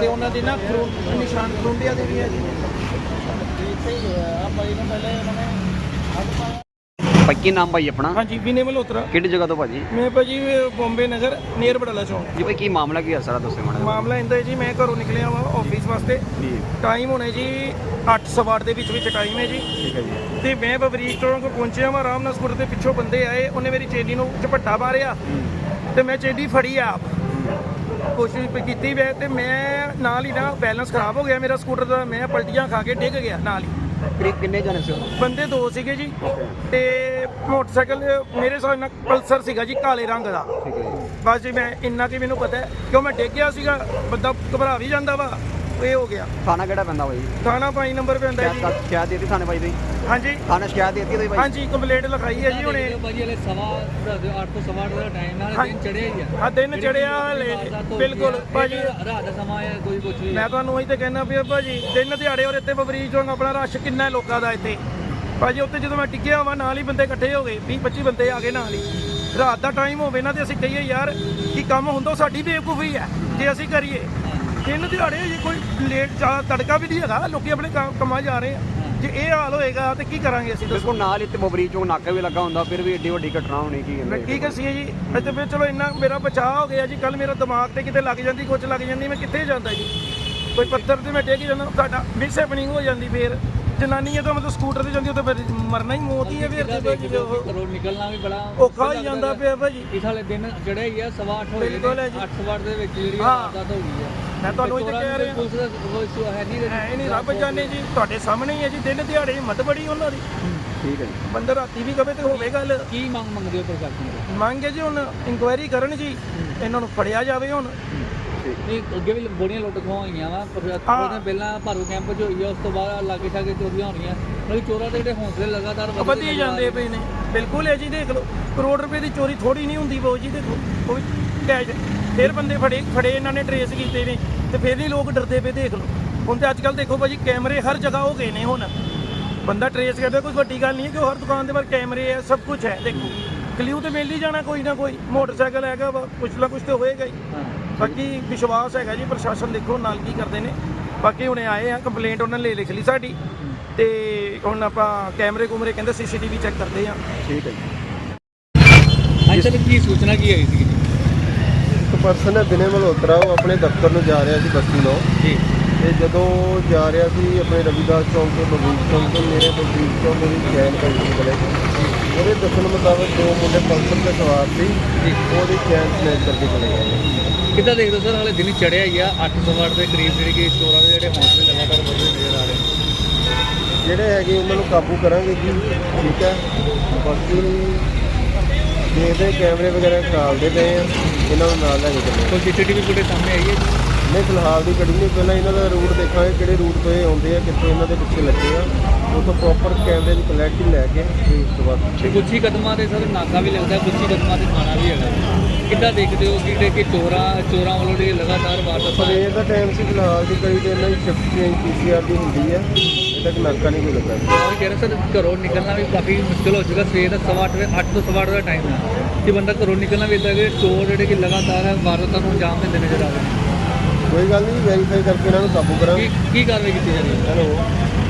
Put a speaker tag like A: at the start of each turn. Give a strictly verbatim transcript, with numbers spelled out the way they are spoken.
A: ਤੇ ਉਹਨਾਂ ਦੇ ਨਾ ਖਰੂ ਨਿਸ਼ਾਨ ਖਰੁੰਡਿਆਂ ਦੇ ਵੀ ਹੈ ਜੀ।
B: ਇੱਥੇ ਹੀ ਹੋਇਆ ਆ ਭਾਈ ਨੂੰ ਪਹਿਲੇ ਉਹਨਾਂ ਨੇ ਹੱਥ ਪਾਇਆ।
C: ਭਾਈ ਕੀ ਨਾਮ ਭਾਈ ਆਪਣਾ?
A: ਹਾਂਜੀ ਵਿਨੇ ਮਲਹੋਤਰਾ।
C: ਕਿਹੜੀ ਜਗ੍ਹਾ ਤੋਂ ਭਾਜੀ?
A: ਮੈਂ ਭਾਜੀ ਬੰਬੇ ਨਗਰ ਨੀਅਰ ਬੜਾਲਾ ਚੌਂਕ।
C: ਜੀ ਭਾਈ ਕੀ ਮਾਮਲਾ ਕੀ ਹੈ ਸਾਰਾ ਦੱਸੋ ਮਾੜਾ।
A: ਮਾਮਲਾ ਇੰਦਾ ਹੈ ਜੀ, ਮੈਂ ਘਰੋਂ ਨਿਕਲਿਆ ਵਾ ਆਫਿਸ ਵਾਸਤੇ।
C: ਜੀ
A: ਟਾਈਮ ਹੋਣੇ ਜੀ ਅੱਠ ਸਵਾ ਅੱਠ ਦੇ ਵਿੱਚ ਵਿੱਚ ਟਾਈਮ ਹੈ ਜੀ।
C: ਠੀਕ ਹੈ ਜੀ।
A: ਤੇ ਮੈਂ ਬਬਰੀਕ ਚੌਂਕ ਪਹੁੰਚਿਆ ਵਾ, ਆਰਾਮ ਨਾਲ ਸਕੂਟਰ ਦੇ ਪਿੱਛੋਂ ਬੰਦੇ ਆਏ, ਉਹਨੇ ਮੇਰੀ ਚੇਨੀ ਨੂੰ ਝਪੱਟਾ ਮਾਰਿਆ ਤੇ ਮੈਂ ਚੇਨੀ ਫੜੀ ਆਪ ਕੋਸ਼ਿਸ਼ ਕੀਤੀ ਵੇ ਤੇ ਮੈਂ ਨਾਲ ਹੀ ਨਾ ਬੈਲੈਂਸ ਖਰਾਬ ਹੋ ਗਿਆ ਮੇਰਾ ਸਕੂਟਰ ਦਾ, ਮੈਂ ਪਲਟੀਆਂ ਖਾ ਕੇ ਡਿੱਗ ਗਿਆ ਨਾਲ ਹੀ।
C: ਕਰੀਬ ਕਿੰਨੇ ਜਾਣੇ ਸੀ?
A: ਬੰਦੇ ਦੋ ਸੀਗੇ ਜੀ ਤੇ ਮੋਟਰਸਾਈਕਲ ਮੇਰੇ ਸਾਹ ਨਾਲ ਪਲਸਰ ਸੀਗਾ ਜੀ ਕਾਲੇ ਰੰਗ ਦਾ।
C: ਠੀਕ ਹੈ ਜੀ।
A: ਬਸ ਜੀ ਮੈਂ ਇੰਨਾ ਕਿ ਮੈਨੂੰ ਪਤਾ ਹੈ ਕਿਉਂ ਮੈਂ ਡਿੱਗ ਗਿਆ ਸੀਗਾ, ਬੰਦਾ ਘਬਰਾ ਵੀ ਜਾਂਦਾ ਵਾ, ਇਹ ਹੋ ਗਿਆ।
C: ਥਾਣਾ ਕਿਹੜਾ ਪੈਂਦਾ ਭਾਈ?
A: ਥਾਣਾ ਪੰਜ ਨੰਬਰ पे ਹੁੰਦਾ ਜੀ।
C: ਸ਼ਿਕਾਇਤ ਦੇਤੀ ਥਾਣੇ ਭਾਈ ਦੀ?
A: ਹਾਂਜੀ
C: ਥਾਣੇ ਸ਼ਿਕਾਇਤ ਦੇਤੀ ਤੁਸੀਂ ਭਾਈ?
A: ਹਾਂਜੀ ਕੰਪਲੇਂਟ ਲਿਖਾਈ ਹੈ ਜੀ ਹੁਣੇ।
B: ਭਾਜੀ ਹਲੇ ਸਵਾ ਅੱਠ ਤੋਂ ਸਵਾ ਅੱਠ ਦਾ ਟਾਈਮ ਨਾਲ ਦਿਨ ਚੜਿਆ ਹੀ ਆ।
A: ਆ ਦਿਨ ਚੜਿਆ ਹਲੇ ਬਿਲਕੁਲ ਭਾਜੀ।
B: ਰਾਤ ਦਾ ਸਮਾਂ ਹੈ ਕੋਈ ਕੁਝ ਨਹੀਂ।
A: ਮੈਂ ਤੁਹਾਨੂੰ ਉਹੀ ਤੇ ਕਹਿਣਾ ਪਿਆ ਭਾਜੀ, ਦਿਨ ਦਿਹਾੜੇ ਔਰ ਇੱਥੇ ਬਬਰੀਕ ਚੌਂਕ ਆਪਣਾ ਰਸ਼ ਕਿੰਨਾ ਹੈ ਲੋਕਾਂ ਦਾ ਇੱਥੇ ਭਾਜੀ। ਉੱਥੇ ਜਦੋਂ ਮੈਂ ਟਿੱਕਿਆ ਵਾ ਨਾਲ ਹੀ ਬੰਦੇ ਇਕੱਠੇ ਹੋ ਗਏ, ਵੀਹ ਪੱਚੀ ਬੰਦੇ ਆ ਗਏ ਨਾਲ ਹੀ। ਰਾਤ ਦਾ ਟਾਈਮ ਹੋਵੇ ਨਾ ਤੇ ਅਸੀਂ ਕਹੀਏ ਯਾਰ ਕੀ ਕੰਮ ਹੁੰਦਾ, ਸਾਡੀ ਬੇਵਕੂਫੀ ਹੈ ਜੇ ਅਸੀਂ ਕਰੀਏ। ਦਿਨ ਦਿਹਾੜੇ ਜੇ ਕੋਈ ਲੇਟ ਜ਼ਿਆਦਾ ਤੜਕਾ ਵੀ ਨਹੀਂ ਹੈਗਾ, ਲੋਕੀ ਆਪਣੇ ਕੰਮ- ਕੰਮਾਂ ਜਾ ਰਹੇ ਆ। ਜੇ ਇਹ ਹਾਲ ਹੋਏਗਾ ਤੇ ਕੀ ਕਰਾਂਗੇ ਅਸੀਂ ਦੱਸੋ?
C: ਦੇਖੋ ਨਾਲ ਇੱਥੇ ਬਬਰੀਕ ਚੌਂਕ ਨਾਕਾ ਵੀ ਲੱਗਾ ਹੁੰਦਾ, ਫਿਰ ਵੀ ਏਡੀ ਵੱਡੀ ਘਟਨਾ ਹੋਣੀ ਕੀ
A: ਮੈਂ
C: ਕਹਿੰਦੇ?
A: ਕੀ ਕਸੀਏ ਜੀ, ਅੱਜ ਫਿਰ ਚਲੋ ਇੰਨਾ ਮੇਰਾ ਬਚਾਅ ਹੋ ਗਿਆ ਜੀ। ਕੱਲ ਮੇਰਾ ਦਿਮਾਗ ਤੇ ਕਿਤੇ ਲੱਗ ਜਾਂਦੀ, ਕੁਝ ਲੱਗ ਜਾਂਦੀ, ਮੈਂ ਕਿੱਥੇ ਜਾਂਦਾ ਜੀ? ਕੋਈ ਪੱਥਰ ਤੇ ਮੈਂ ਡਿੱਗ ਜਾਂਦਾ, ਸਾਡਾ ਮਿਸ ਹੈਪਨਿੰਗ ਹੋ ਜਾਂਦੀ। ਫਿਰ ਜਨਾਨੀ ਹੈ ਤਾਂ ਮਤਲਬ ਸਕੂਟਰ ਤੇ ਜਾਂਦੀ, ਉਹ ਤਾਂ ਫਿਰ ਮਰਨਾ ਹੀ ਮੌਤ ਹੀ ਹੈ। ਫਿਰ
B: ਘਰੋਂ ਨਿਕਲਣਾ ਵੀ ਬੜਾ
A: ਔਖਾ ਹੋ ਜਾਂਦਾ ਪਿਆ ਭਾਜੀ।
B: ਇਸ ਹਾਲੇ ਦਿਨ ਚੜਿਆ ਹੀ ਆ, ਸਵਾ ਅੱਠ ਹੋਏ
A: ਬਿਲਕੁਲ ਹੈ ਜੀ।
B: ਅੱਠ ਸਵਾ ਅੱਠ ਦੇ ਵਿੱਚ ਜਿਹੜੀ
A: ਹਾਂ।
B: ਵਾਰਦਾਤ ਹੋ ਗਈ ਆ।
A: ਮੈਂ ਤੁਹਾਨੂੰ ਇਹ ਕਹਿ ਰਿਹਾ
B: ਪੁਲਿਸ ਦਾ ਕੋਈ ਇਸ਼ੂ ਹੈ ਨਹੀਂ
A: ਹੈ ਨਹੀਂ, ਰੱਬ ਜਾਣੇ ਜੀ, ਤੁਹਾਡੇ ਸਾਹਮਣੇ ਹੀ ਹੈ ਜੀ। ਦਿਨ ਦਿਹਾੜੇ ਹਿੰਮਤ ਬੜੀ ਉਹਨਾਂ ਦੀ।
C: ਠੀਕ ਹੈ ਜੀ।
A: ਬੰਦਾ ਰਾਤੀ ਵੀ ਕਵੇ ਤੇ ਹੋਵੇ ਗੱਲ।
B: ਕੀ ਮੰਗ ਮੰਗਦੇ ਹੋ ਪ੍ਰਸ਼ਾਸਨ ਤੋਂ?
A: ਮੰਗੇ ਜੀ ਹੁਣ ਇਨਕੁਆਇਰੀ ਕਰਨ ਜੀ, ਇਹਨਾਂ ਨੂੰ ਫੜਿਆ ਜਾਵੇ ਹੁਣ।
B: ਨਹੀਂ ਅੱਗੇ ਵੀ ਬੜੀਆਂ ਲੁੱਟ ਖੋਹਾਂ ਹੋਈਆਂ ਵਾ, ਪਰ ਉਹਦੇ ਪਹਿਲਾਂ ਭਾਰੂ ਕੈਂਪ 'ਚ ਹੋਈ ਆ, ਉਸ ਤੋਂ ਬਾਅਦ ਲਾਗੇ ਛਾਗੇ ਚੋਰੀਆਂ ਹੋਣੀਆਂ। ਮਤਲਬ ਚੋਰਾਂ ਦੇ ਜਿਹੜੇ ਹੌਸਲੇ ਲਗਾਤਾਰ
A: ਵਧੀ ਜਾਂਦੇ ਪਏ ਨੇ। ਬਿਲਕੁਲ ਹੈ ਜੀ, ਦੇਖ ਲਓ ਕਰੋੜ ਰੁਪਏ ਦੀ ਚੋਰੀ ਥੋੜੀ ਨਹੀਂ ਹੁੰਦੀ ਬਾਊ ਜੀ। ਦੇਖੋ ਉਹ ਵੀ ਕੈਸ਼ ਫਿਰ ਬੰਦੇ ਫੜੇ ਫੜੇ ਇਹਨਾਂ ਨੇ ਟਰੇਸ ਕੀਤੇ ਨੇ ਤੇ ਫਿਰ ਨਹੀਂ ਲੋਕ ਡਰਦੇ ਪਏ। ਦੇਖ ਲਓ ਹੁਣ ਤੇ ਅੱਜ ਕੱਲ੍ਹ ਦੇਖੋ ਭਾਜੀ ਕੈਮਰੇ ਹਰ ਜਗ੍ਹਾ ਹੋ ਗਏ ਨੇ। ਹੁਣ ਬੰਦਾ ਟਰੇਸ ਕਰਦਾ, ਕੋਈ ਵੱਡੀ ਗੱਲ ਨਹੀਂ ਹੈ ਕਿ ਹਰ ਦੁਕਾਨ ਦੇ ਬਾਹਰ ਕੈਮਰੇ ਹੈ, ਸਭ ਕੁਝ ਹੈ। ਦੇਖੋ ਕਲਿਊ ਤੇ ਮਿਲ ਹੀ ਜਾਣਾ ਕੋਈ ਨਾ ਕੋਈ। ਮੋਟਰਸਾਈਕਲ ਹੈਗਾ ਵਾ, ਕੁਛ ਨਾ ਕੁਛ ਤੇ ਹੋਏਗਾ ਹੀ। ਬਾਕੀ ਵਿਸ਼ਵਾਸ ਹੈਗਾ ਜੀ ਪ੍ਰਸ਼ਾਸਨ, ਦੇਖੋ ਨਾਲ ਕੀ ਕਰਦੇ ਨੇ। ਬਾਕੀ ਹੁਣੇ ਆਏ ਆ, ਕੰਪਲੇਂਟ ਉਹਨਾਂ ਨੇ ਲਿਖ ਲਈ ਸਾਡੀ ਤੇ ਹੁਣ ਆਪਾਂ ਕੈਮਰੇ ਕੁਮਰੇ ਕਹਿੰਦੇ ਸੀਸੀਟੀਵੀ ਚੈੱਕ ਕਰਦੇ ਆ।
C: ਠੀਕ ਹੈ ਜੀ।
B: ਅੱਜ ਤੱਕ ਕੀ ਸੂਚਨਾ ਕੀ ਆਈ ਸੀ?
D: ਇੱਕ ਪਰਸਨ ਹੈ ਵਿਨੇ ਮਲਹੋਤਰਾ, ਉਹ ਆਪਣੇ ਦਫ਼ਤਰ ਨੂੰ ਜਾ ਰਿਹਾ ਸੀ ਬੱਸੀ ਨੂੰ।
B: ਜੀ।
D: ਤੇ ਜਦੋਂ ਜਾ ਰਿਹਾ ਸੀ ਆਪਣੇ ਰਵੀਦਾਸ ਚੌਂਕ ਤੋਂ ਬਬਰੀਕ ਚੌਂਕ ਤੋਂ ਮੇਰੇ ਬਬਰੀਕ ਚੌਂਕ ਦੀ ਚੈਨ ਪਈ ਸੀ ਗਲੇ 'ਚ। ਉਹਦੇ ਦੱਸਣ ਮੁਤਾਬਕ ਦੋ ਮੁੰਡੇ ਪਲਸਰ 'ਤੇ ਸਵਾਰ ਸੀ, ਉਹਦੀ ਚੈਨ ਸਨੈਚ ਕਰਕੇ ਚਲੇ ਗਏ।
B: ਕਿੱਦਾਂ ਦੇਖਦੇ ਸਰ, ਹਾਲੇ ਦਿਨ ਚੜਿਆ ਹੀ ਆ, ਅੱਠ ਸਵਾ ਅੱਠ ਦੇ ਕਰੀਬ ਜਿਹੜੀ ਕਿ ਚੋਰਾਂ ਦੇ ਜਿਹੜੇ ਹੌਸਲੇ ਲਗਾਤਾਰ ਵਧਦੇ ਨਜ਼ਰ ਆ ਰਹੇ।
D: ਜਿਹੜੇ ਹੈਗੇ ਉਹਨਾਂ ਨੂੰ ਕਾਬੂ ਕਰਾਂਗੇ ਜੀ, ਠੀਕ ਹੈ। ਬਾਕੀ ਦੇਖਦੇ ਕੈਮਰੇ ਵਗੈਰਾ ਖਰਾਬਦੇ ਪਏ ਆ, ਇਹਨਾਂ ਨੂੰ ਨਾਲ ਲੈ ਕੇ ਚੱਲੇ।
B: ਕੋਈ ਸੀਸੀਟੀਵੀ ਫੁਟੇਜ ਸਾਹਮਣੇ ਆਈ ਹੈ?
D: ਨਹੀਂ ਫਿਲਹਾਲ ਦੀ ਕੜੀ ਨਹੀਂ, ਪਹਿਲਾਂ ਇਹਨਾਂ ਦਾ ਰੂਟ ਦੇਖਾਂਗੇ ਕਿਹੜੇ ਰੂਟ ਤੋਂ ਇਹ ਆਉਂਦੇ ਆ, ਕਿੱਥੇ ਇਹਨਾਂ ਦੇ ਪਿੱਛੇ ਲੱਗੇ ਆ। ਉੱਥੋਂ ਪ੍ਰੋਪਰ ਕੈਮਰੇ ਦੀ ਕੁਆਲਿਟੀ ਲੈ ਕੇ ਤੇ ਉਸ ਤੋਂ ਬਾਅਦ
B: ਤੇ ਕੁਛ ਹੀ ਕਦਮਾਂ ਤੇ ਸਰ ਨਾਕਾ ਵੀ ਲੱਗਦਾ, ਕੁਛ ਹੀ ਕਦਮਾਂ ਤੇ ਥਾਣਾ ਵੀ ਹੈਗਾ। ਕਿੱਦਾਂ ਦੇਖਦੇ ਹੋ ਕਿ ਕਿ ਚੋਰਾਂ ਚੋਰਾਂ ਵੱਲੋਂ ਜਿਹੜੀ ਲਗਾਤਾਰ ਵਾਰਦਾਤ?
D: ਸਵੇਰ ਦਾ ਟਾਈਮ ਸੀ, ਫਿਲਹਾਲ ਦੀ ਕੜੀ ਤੇ ਇਹਨਾਂ ਦੀ shift change P C R ਦੀ ਹੁੰਦੀ ਹੈ, ਇਹ ਤੱਕ ਨਾਕਾ ਨਹੀਂ ਕੋਈ ਲੱਗਾ।
B: ਉਹ ਕਹਿ ਰਹੇ ਸਰ ਘਰੋਂ ਨਿਕਲਣਾ ਵੀ ਕਾਫੀ ਮੁਸ਼ਕਿਲ ਹੋ ਚੁੱਕਾ। ਸਵੇਰ ਦਾ ਸਵਾ ਅੱਠ ਵਜੇ ਅੱਠ ਤੋਂ ਸਵਾ ਅੱਠ ਦਾ ਟਾਈਮ ਹੈ ਕਿ ਬੰਦਾ ਘਰੋਂ ਨਿਕਲਣਾ ਵੀ ਇੱਦਾਂ ਕਿ ਚੋਰ ਜਿਹੜੇ ਕਿ ਲਗਾਤਾਰ ਵਾਰਦਾਤਾਂ ਨੂੰ ਅੰਜਾਮ ਦਿੰਦੇ ਨਜ਼ਰ ਆ ਰਹੇ।
D: ਕੋਈ ਗੱਲ ਨਹੀਂ, ਵੈਰੀਫਾਈ ਕਰਕੇ ਇਹਨਾਂ ਨੂੰ ਕਾਬੂ ਕਰਾਂਗੇ।
B: ਕੀ ਕੀ ਕਾਰਵਾਈ ਕੀਤੀ ਜਾ ਰਹੀ ਹੈ?
D: ਹੈਲੋ।